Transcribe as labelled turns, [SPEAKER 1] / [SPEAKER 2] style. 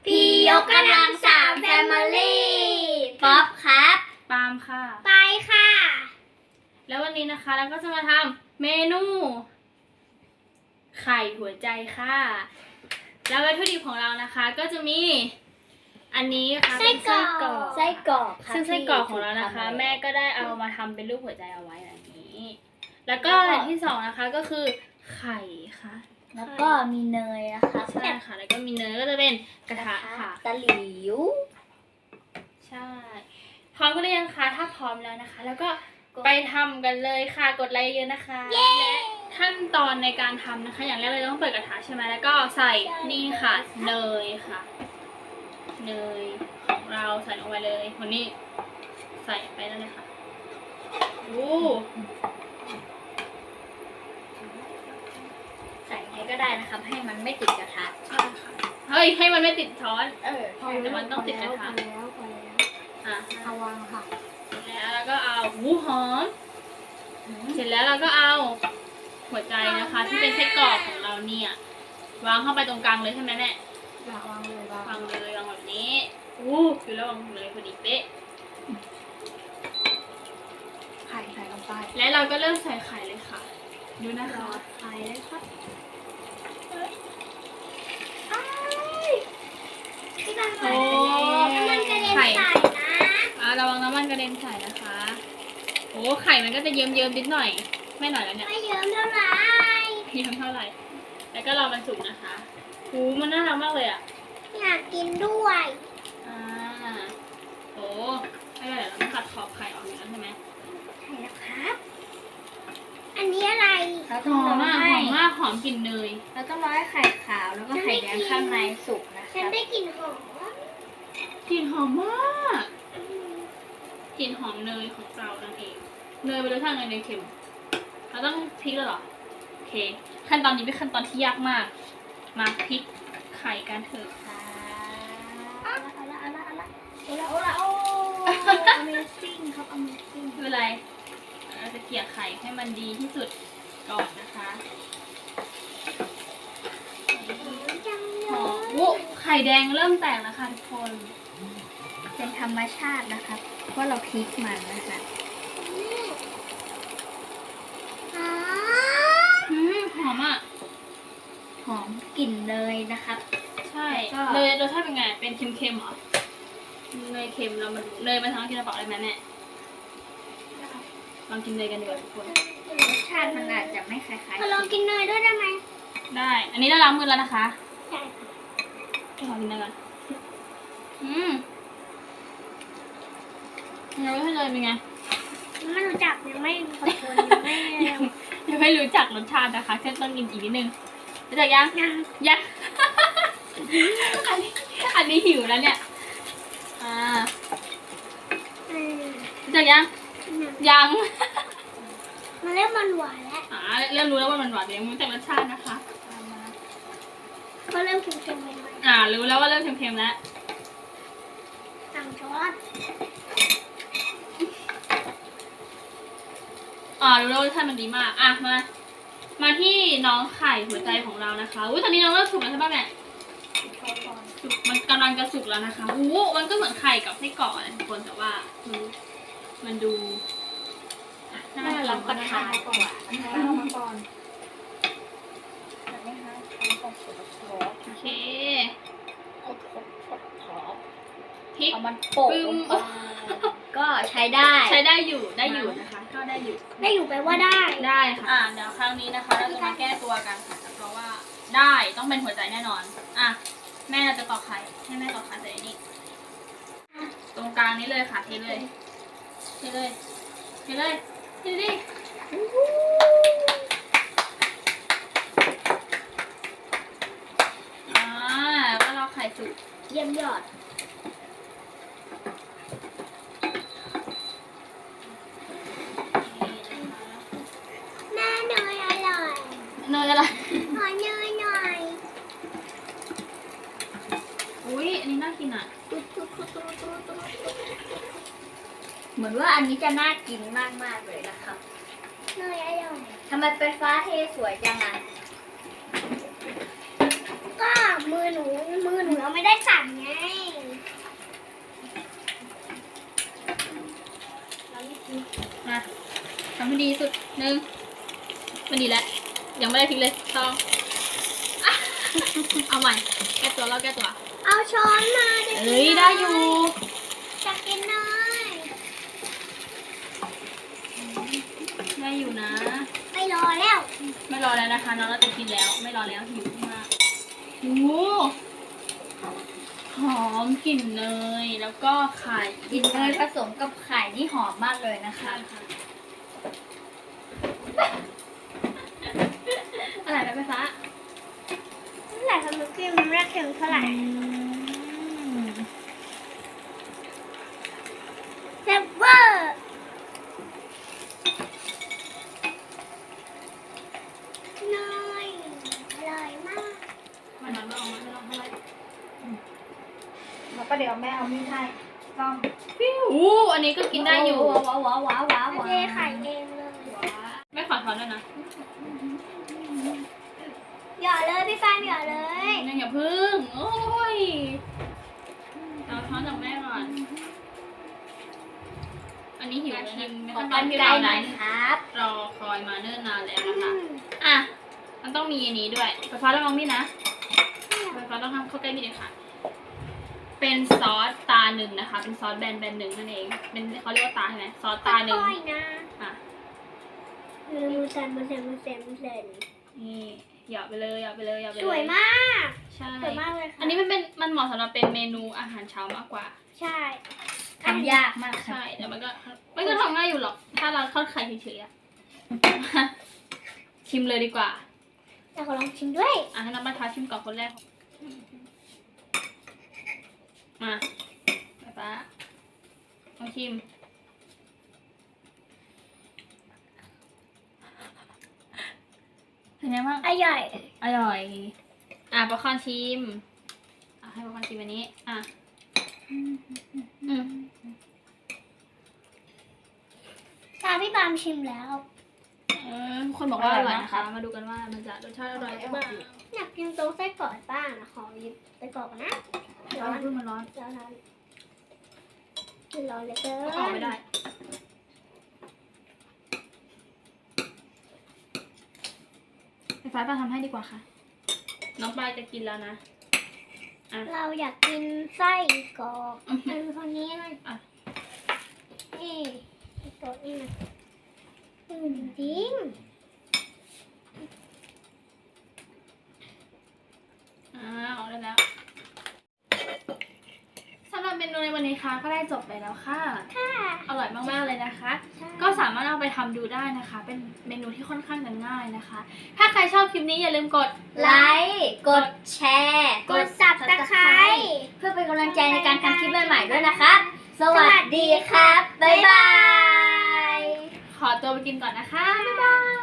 [SPEAKER 1] พี่ยกกำลังสามแฟมิลี่ป๊อปครับ
[SPEAKER 2] ปาล์มค่ะ
[SPEAKER 1] ไปค่ะ
[SPEAKER 2] แล้ววันนี้นะคะเราก็จะมาทำเมนู ไข่หัวใจค่ะ แล้ววัตถุดิบของเรานะคะก็จะมีอันนี้ค่ะ
[SPEAKER 1] ไส้กรอก
[SPEAKER 2] ไส้กรอก
[SPEAKER 1] ค่ะ
[SPEAKER 2] ซึ่งไส้กรอกของเรานะคะ แม่ก็ได้เอามาทำเป็นรูปหัวใจเอาไว้แบบนี้ แล้วก็อย่างที่สองนะคะก็คือไข่ค่ะ
[SPEAKER 1] แล้วก็มีเนยนะคะ
[SPEAKER 2] ใช่ค่ะ แล้วก็มีเนยก็จะเป็นกระทะค่ะ
[SPEAKER 1] ตะหลิว
[SPEAKER 2] ใช่ พร้อมกันหรือยังคะ ถ้าพร้อมแล้วนะคะ แล้วก็ไปทำกันเลยค่ะ กดไลค์เยอะนะคะและขั้นตอนในการทำนะคะ อย่างแรกเราต้องเปิดกระทะใช่ไหมแล้วก็ใส่นี่ค่ะ เนยค่ะ เนยของเราใส่ลงไปเลยคนนี้ใส่ไปแล้วเลยค่ะโอ้
[SPEAKER 1] ใส่ให้ก็ได้นะครับ ให้มันไม่ติดกระทะ
[SPEAKER 2] ใช่ค่ะเฮ้ย ให้มันไม่ติดช้อน แต่มันต้องติดกระทะ
[SPEAKER 1] พอแล้ว
[SPEAKER 2] อ่ะ
[SPEAKER 1] เอาวางค่ะ
[SPEAKER 2] เสร็จแล้วเราก็เอาหูหอม เสร็จแล้วเราก็เอาหัวใจนะคะ ที่เป็นไส้กรอกของเราเนี่ยวางเข้าไปตรงกลางเลยใช่ไหมแม่
[SPEAKER 1] วางเลยวาง
[SPEAKER 2] วางเลยวางแบบนี้คือระวังเลยพอดีเป๊ะ
[SPEAKER 1] ไข่ใส่ลงไป
[SPEAKER 2] และเราก็เริ่มใส่ไข่เลยค่ะดูนะคะ
[SPEAKER 1] ไข่เลยครับ
[SPEAKER 2] โอ้
[SPEAKER 1] มันกระเด็น
[SPEAKER 2] ไข่
[SPEAKER 1] ใส่นะ
[SPEAKER 2] ระวังน้ำมันกระเด็นใส่นะคะโอ้ไข่มันก็จะเยิ้มๆนิดหน่อยไม่หน่อยแล้วเนี่ย
[SPEAKER 1] ไม่เยิ้มเท่าไหร่
[SPEAKER 2] เยิ้มเท่าไหร่แล้วก็รอมันสุกนะคะโอ้มันน่ารักมากเลยอ่ะ
[SPEAKER 1] อยากกินด้วย
[SPEAKER 2] โอ้ไม่เป็นไรเราต้องตัดขอบไข่ออกอยู่แล้วใช่ไหม
[SPEAKER 1] ใช่แล้วครับ อันนี้อะไร
[SPEAKER 2] หอมมากหอมมากหอมกลิ่นเนย
[SPEAKER 1] แล้วก็ร้อยไข่ขาวแล้วก็ไข่แดงข้างในสุกนะฉันได้กลิ่นหอม
[SPEAKER 2] กลิ่นหอมมากกลิ่นหอมเนยของเรานั่นเองเนยเป็นรสชาติเนยเค็มเราต้องพลิกแล้วเหรอโอเคขั้นตอนนี้เป็นขั้นตอนที่ยากมากมาพลิกไข่กันเถอะ
[SPEAKER 1] เอาละโอ้ Amazing ครับ Amazing
[SPEAKER 2] ไม่เป็นไรเราจะเกลี่ยไข่ให้มันดีที่สุดก่อนนะคะหอมวุ้ไข่แดงเริ่มแตกแล้วค่ะทุกคน
[SPEAKER 1] เป็นธรรมชาตินะคะเพราะเราพริกมันนะคะอ๋อ
[SPEAKER 2] หอมอ่ะ
[SPEAKER 1] หอมกลิ่นเนยนะครับ
[SPEAKER 2] ใช่
[SPEAKER 1] แล้วก็
[SPEAKER 2] เนยรสชาติเป็นไง เป็นเค็มๆเหรอ เนยเค็มเรามันเนยมันทำให้กินกระเป๋าได้ไหมแม่ลองกินเนยกันดีกว่าทุกคน
[SPEAKER 1] รสชาติมันอาจจะไม่คล้ายๆลองกินเนยด้วยได้ไหม
[SPEAKER 2] ได้ อันนี้เราล้างมือแล้วนะคะ
[SPEAKER 1] ใช่ค่ะ
[SPEAKER 2] ขอกินเนยก่อนยังไม่ให้เลยเป็นไง
[SPEAKER 1] ไม่รู้จักยังไม่ขอคนยังไม่
[SPEAKER 2] ยังไม่รู้จักรสชาตินะคะแค่ต้องกินอีกนิดนึงรู้จักยัง ยัง อันนี้หิวแล้วเนี่ยรู้จักยังยัง
[SPEAKER 1] มันเริ่มมันหวานแล้ว
[SPEAKER 2] เริ่มรู้แล้วว่ามันหวานแต่ยังไม่รู้จักรสชาตินะคะ
[SPEAKER 1] ก็เริ่มเค็มๆไป
[SPEAKER 2] รู้แล้วว่าเริ่มเค็มๆแล้ว
[SPEAKER 1] สั่งช้อน
[SPEAKER 2] รู้แล้วรสชาติมันดีมากมาที่น้องไข่หัวใจของเรานะคะตอนนี้น้องเริ่มสุกแล้วใช่ป่ะแม่สุกมันกำลังจะสุกแล้วนะคะมันก็เหมือนไข่กับไส้กรอกนะทุกคนแต่ว่ามันดูน่ารับประทานกว่า
[SPEAKER 1] มาก่อน
[SPEAKER 2] โอเคพริก
[SPEAKER 1] เอามันโปะลงไปก็ใช้ได้
[SPEAKER 2] ใช้ได้อยู่นะคะก็ได้อยู่
[SPEAKER 1] ได้อยู่แปลว่าได้
[SPEAKER 2] ได้ค่ะเดี๋ยวครั้งนี้นะคะเราจะมาแก้ตัวกันค่ะเพราะว่าได้ต้องเป็นหัวใจแน่นอนแม่เราจะตอกไข่ให้แม่ตอกไข่ใส่นี่ตรงกลางนี้เลยค่ะเทเลยดิก็รอไข่สุก
[SPEAKER 1] เยี่ยมยอดแม่เนยอร่อย
[SPEAKER 2] เนยอะไร
[SPEAKER 1] ขอเนยหน่อย
[SPEAKER 2] อุ้ยอันนี้น่ากินอ่ะ
[SPEAKER 1] เหมือนว่าอันนี้จะน่ากินมากๆเลยนะครับเนยอร่อยทำไมเป็นฟ้าเทสวยจังอ่ะก็มือหนูแล้ว
[SPEAKER 3] ไม่ได้สั่งไงเราไม่กิน
[SPEAKER 2] มาทำให้ดีที่สุดหนึ่งมันดีแล้วยังไม่ได้ทิ้งเลยสองอ่ะเอาใหม่แก้ตัวเราแก้ตัว
[SPEAKER 3] เอาช้อนมาจะกิน
[SPEAKER 2] เอ้ยได้อยู่
[SPEAKER 3] จะกินหน่อย
[SPEAKER 2] ได้อยู่นะ
[SPEAKER 3] ไม่รอแล้ว
[SPEAKER 2] ไม่รอแล้วนะคะน้องเราจะกินแล้วไม่รอแล้วหิวมากโอ้โหหอมกลิ่นเนยแล้วก็ไข่
[SPEAKER 1] กินเนยผสมกับไข่นี่หอมมากเลยนะคะ
[SPEAKER 2] ใช่ค่ะอะไรนะไฟฟ้า
[SPEAKER 3] นั่นแหละทำน้ำจิ้มมันไม่ได้เค็มเท่าไหร่แซ่บเวอร์เนยอร่อยมาก
[SPEAKER 2] มันไม่ออกมาไม่ลองเท่าไหร่
[SPEAKER 1] แล้วก็เดี๋ยวแม่เอามีดให้ต้อง
[SPEAKER 2] อู้อันนี้ก็กินได้อยู่
[SPEAKER 1] ว้าวว้าวว้าวว้าว
[SPEAKER 3] เทไข่เองเลย
[SPEAKER 2] ไม่ขอช้อนด้วยนะ
[SPEAKER 3] หยอดเลยพี่ฟ้าหยอดเลย
[SPEAKER 2] ยังอย่าพึ่งโอ้ยเอาช้อนจากแม่ก่อนอันนี้หิวชิม
[SPEAKER 1] ขอ
[SPEAKER 2] ขั้นต
[SPEAKER 1] กั
[SPEAKER 2] อน
[SPEAKER 1] น
[SPEAKER 2] ที่
[SPEAKER 1] ไกล
[SPEAKER 2] เรา
[SPEAKER 1] หน่
[SPEAKER 2] นั้
[SPEAKER 1] อย
[SPEAKER 2] น
[SPEAKER 1] ครับ
[SPEAKER 2] รอคอยมาเนิ่นนานแล้วนะคะอ่ะมันต้องมีอันนี้ด้วยไฟฟ้าระวังมีดนะไฟฟ้าต้องทำเข้าใกล้มีดเลยค่ะ เป็นซอสตาหนึ่งนะคะ เป็นซอสแบนหนึ่งนั่นเองเป็นเขาเรียกว่าตาใช่ไหมซอสตาหนึ่ง
[SPEAKER 3] ค่อยๆนะ
[SPEAKER 2] อ่ะ
[SPEAKER 3] มือสั่นมือสั่นมือสั่นมือสั่น
[SPEAKER 2] นี่หยอดไปเลยหยอดไปเลยหยอดไปเลย
[SPEAKER 3] สวยมาก
[SPEAKER 2] ใช่
[SPEAKER 3] สวยมากเลยค่ะ
[SPEAKER 2] อันนี้มันเหมาะสำหรับเป็นเมนูอาหารเช้ามากกว่า
[SPEAKER 3] ใช่
[SPEAKER 1] ทำยากมากค่ะ
[SPEAKER 2] ใช่แต่มันก็ทำง่ายอยู่หรอก ถ้าเราทอดไข่เฉยๆอะ ชิมเลยดีกว่า
[SPEAKER 3] แต่ขอลองชิมด้วย
[SPEAKER 2] อ่ะให้น้องมาท้าชิมก่อนคนแรก มาไปป้าลองชิม เป็นไงบ้าง
[SPEAKER 3] อร่อย
[SPEAKER 2] อร่อย อ่ะป๊อปคอร์นชิม อ่ะให้ป๊อปคอร์นชิมอันนี้ อ่ะ
[SPEAKER 3] ตามพี่ปามชิมแล้ว
[SPEAKER 2] ทุกคนบอกว่าอร่อยนะคะ มาดูกันว่ามันจะรสชาติอร่อยหรือเปล่า
[SPEAKER 3] อยากกินโต๊ะไส้กรอกบ้างนะขอหยิบไส้กรอกก่อนนะ
[SPEAKER 2] ร้อนมันร้อน
[SPEAKER 3] ร้อนร้อนเลยเกิน
[SPEAKER 2] ออกไม่ได้ ไฟฟ้าป้าทำให้ดีกว่าค่ะ น้องปลายจะกินแล้วนะ
[SPEAKER 3] เราอยากกินไส้กรอกอันคนนี้นะ
[SPEAKER 2] อ่ะ
[SPEAKER 3] นี่โต๊ะนี่นะจริง
[SPEAKER 2] ออกได้แล้วสำหรับเมนูในวันนี้ค่ะก็ได้จบไปแล้วค่ะ
[SPEAKER 3] ค่ะ
[SPEAKER 2] อร่อยมากๆเลยนะคะ ก็สามารถเอาไปทำดูได้นะคะ เป็นเมนูที่ค่อนข้างจะง่ายนะคะ ถ้าใครชอบคลิปนี้อย่าลืมกด
[SPEAKER 1] ไลค์กดแชร์
[SPEAKER 3] กดสับตะไคร้
[SPEAKER 1] เพื่อเป็นกำลังใจในการทำคลิปใหม่ๆด้วยนะครับ สวัสดีครับ บ๊ายบาย
[SPEAKER 2] ขอตัวไปกินก่อนนะคะ บ๊ายบาย